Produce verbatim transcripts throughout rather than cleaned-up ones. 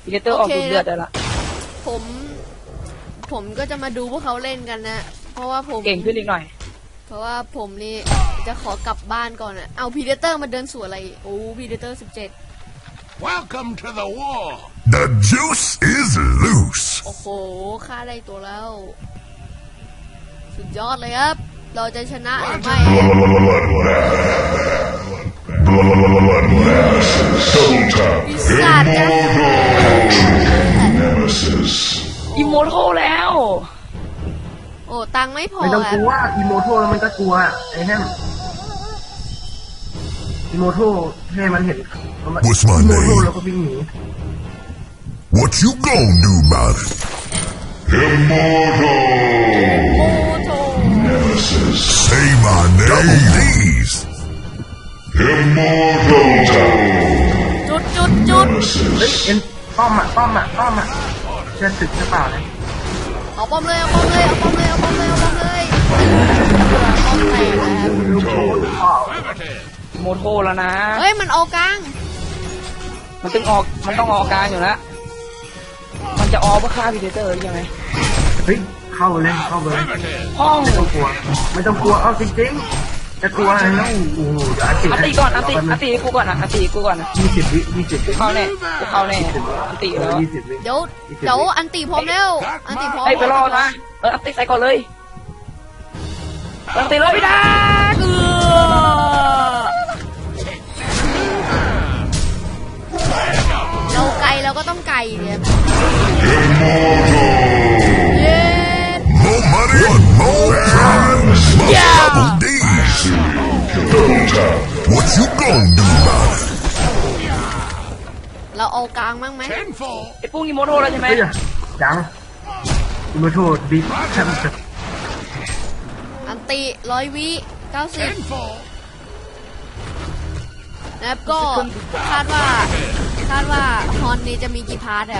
พีเตอร์ออกดูเดือดเลยละผมผมก็จะมาดูพวกเขาเล่นกันนะเพราะว่าผมเก่งขึ้นอีกหน่อยเพราะว่าผมนี่จะขอกลับบ้านก่อนอ่ะเอาพีเตอร์มาเดินสวนอะไรโอ้พีเตอร์สิบเจ็ด Welcome to the war. The juice is loose. โอ้โหฆ่าได้ตัวแล้วสุดยอดเลยครับเราจะชนะหรือไม่ ปีศาจจะอิโมโทแล้วโอ้ตังไม่พอไม่ต้องกลัวอิโมโทแล้วมันก็กลัวไอ้แฮมอิโมโทให้มันเห็น What's my อิโมโท name? แล้วก็วิ่งหนี What you gonna do about it? Immortal. โอ้โถ Nemesis. Say my name. Please. Immortal. จุดจุดจุดเฮ้ยเอ็นป้อมอ่ะป้อมอ่ะป้อมอ่ะเชื่อศึกหรือเปล่าเนี่ยเอาป้อมเลยเอาป้อมเลยเอาป้อมเลยเอาป้อมเลยเอาป้อมเลยป้อมแตกแล้วลูกโทษอ้าวโมโทแล้วนะเฮ้ยมันออกกลางมันต้องออกมันต้องออกกลางอยู่แล้วมันจะออกเพื่อฆ่าพีเตอร์ใช่ไหมเฮ้ยเข้าเลยเข้าเลยห้องไม่ต้องกลัวไม่ต้องกลัวเอาจริงๆจะกลัวอะไรแล้วโอ้โหอัติอันตีก่อนอันตีอันตีกูก่อนนะอันตีกูก่อนนะยี่สิบวิยี่สิบวิเข้าแน่กูเข้าแน่อันตีแล้วยี่สิบวิเดี๋ยวเดี๋ยวอันตีพร้อมแล้วอันตีพร้อมไอ้ไปรอนะเอออันตีใส่ก่อนเลยอันตีเลยพี่ดาเออเราไก่เราก็ต้องไก่เนี่ยเย้ More money, but more time. Double D's. What you gonna do about it? เราเอากลางมั้งไหม Tenfold. ไอ้ปุ้งอีโมโทแล้วใช่ไหมเฮ้ยยังอิโมโทบิ๊กแชมป์อันตีร้อยวิเก้าสิบ Tenfold. นะครับก็คาดว่าคาดว่าฮอนนี้จะมีกี่พาร์ทครับ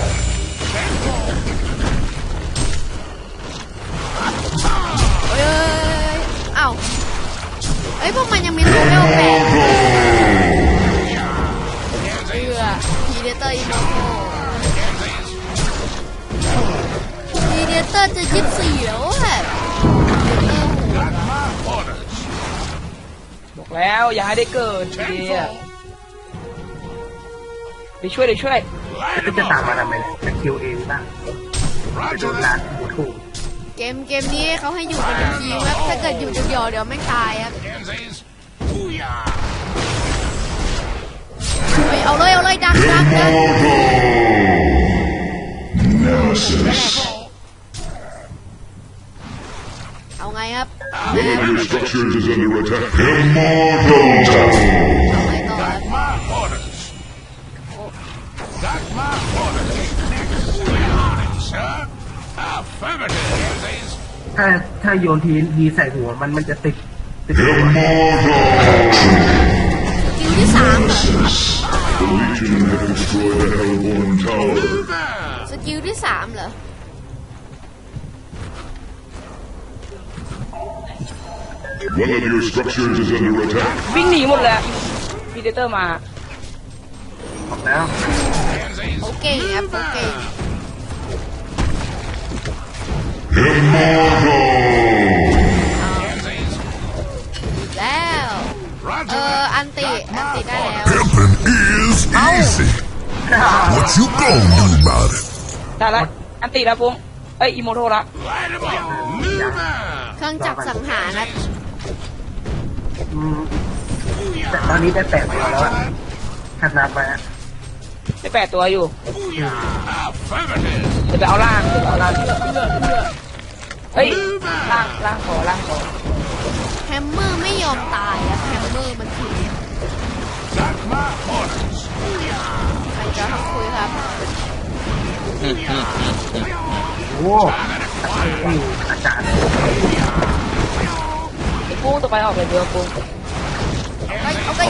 เอ้ยอ้าวเอ้ยพวกมันยังมีโซเวลแปดเพื่อพีเดเตอร์อินโนโตพีเดเตอร์จะยึดเสียวแบบบอกแล้วอย่าให้ได้เกิดทีเดียวไปช่วยเดี๋ยวช่วยก็จะตามมาทำไมจะคิวเองบ้างไปโดนร้านอิโมโทเกมเกมนี้เขาให้อยู่กันเป็นทีมครับถ้าเกิดอยู่เดียวๆเดี๋ยวไม่ตายครับเฮ้ยเอาเลยเอาเลยดักดักดัก Nemesis. เอาไงครับ One of your structures is under attack. Immortal. เอาไงต่อครับ My orders. That's my orders. Sir. Affirmative. ถ้าถ้าโยนทีดีใส่หัวมันมันจะติดติดหัวสกิลที่สามเหรอ The Legion have destroyed the Hellborn Tower. สกิลที่สามเหรอ One of your structures is under attack. วิ่งหนีหมดเลยพีเตอร์มาออกแล้วเขาเก่งครับเขาเก่ง Immortal. แล้วเอออันติอันติได้แล้ว Pimping is easy. What you gonna do about it? ได้ละอันตีแล้วปุ้งเอ้ยอีโมโทละ Light 'em up. Lumer. เครื่องจักรสังหารครับอืมแต่ตอนนี้ได้แปดตัวแล้วอะถ้านับไปอะได้แปดตัวอยู่ Affirmative. เดี๋ยวไปเอาล่างเดี๋ยวไปเอาล่างเฮ้ยล่างล่างขอล่างขอแฮมเมอร์ไม่ยอมตายครับแฮมเมอร์มันถึง That's my orders. ใครจะทำคุยครับโอ้นี่อาจารย์ไอ้ปุ้งต่อไปออกเลยเดี๋ยวปุ้งเอาไปเอาไป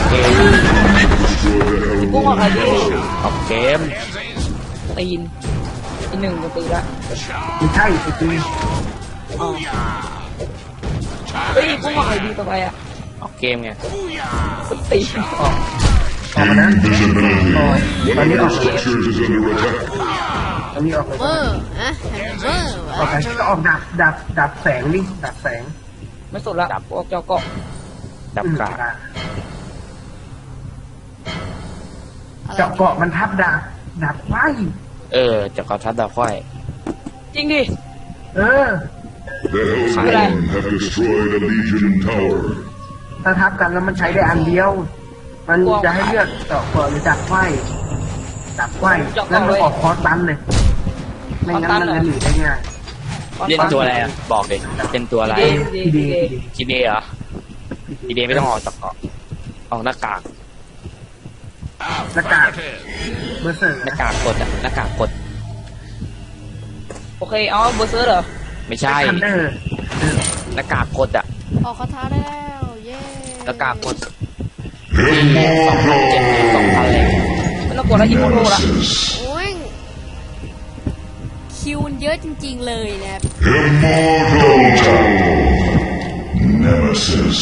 ปุ้งออกอะไรดีออกเกม Pansies. ตีนอีกหนึ่งก็ตีละไม่ใช่จริงอ๋อเฮ้ยปุ้งออกอะไรดีต่อไปอ่ะออกเกมไงตีออกออกมานะ Invisibility. โอ้ยต One อน of นี้อ your อกเลย structures is under attack. ตอนนี้ออกเลยเวอร์นะเวอร์ออกไปก็ออกดับดับดับแสงดิดับแสงไม่สุดละพวกเจ้าเกาะดับกาอืมเจาะเกาะมันทับดับดับไฟเออจะกระทัดดาวค่อยจริงดิเออ The Hellspawn have destroyed a Legion tower. ถ้าทับกันแล้วมันใช้ได้อันเดียว มันจะให้เลือกเจาะเกาะหรือดับไฟดับไฟงั้นมันออกคอร์สตันเลยไม่งั้นมันจะหนีได้ง่ายเล่นตัวอะไรอ่ะบอกเลยเป็นตัวอะไรดีทีดีดีดีทีดีทีเดเหรอทีเดไม่ต้องออกจากเกาะออกหน้ากากหน้ากากเบอร์เซอร์หน้ากากกดอะหน้ากากกดโอเคเอาเบอร์เซอร์เหรอไม่ใช่ทันเดอร์หน้ากากกดอะออกคาถาได้แล้วเย้หน้ากากกดสองพันเจ็ดสองพันเลยไม่ต้องกดแล้วอีโมโตละโอ้ยคิวมันเยอะจริงๆเลยนะครับ Immortal Nemesis.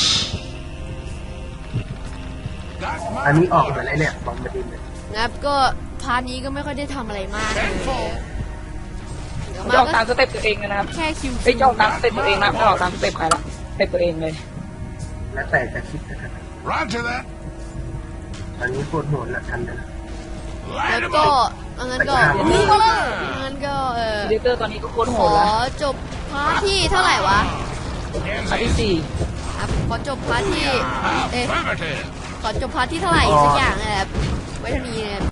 อันนี้ออกเหมือนอะไรเนี่ยบอมบ์ดินเลยนะครับก็พาร์ทนี้ก็ไม่ค่อยได้ทำอะไรมากเลยเดี๋ยวเจ้ามาตามก็สเต็ปตัวเองเลยนะครับแค่คิวเฮ้ยเจ้าตามสเต็ปตัวเองนะไม่ออกตามสเต็ปใครละสเต็ปตัวเองเลยแล้วแต่จะคิดนะครับ Roger that. ตอนนี้โคตรโหดละทันเดอร์แล้วก็งั้นก็งั้นก็เออดีเตอร์ตอนนี้ก็โคตรโหขดอละจบพาร์ทที่เท่าไหร่วะอันที่สี่ครับขอจบพาร์ทที่เอ๊ะ Affirmative. ขอจบพาร์ทที่เท่าไหร่สักอย่างนะครับไว้เท่านี้นะครับ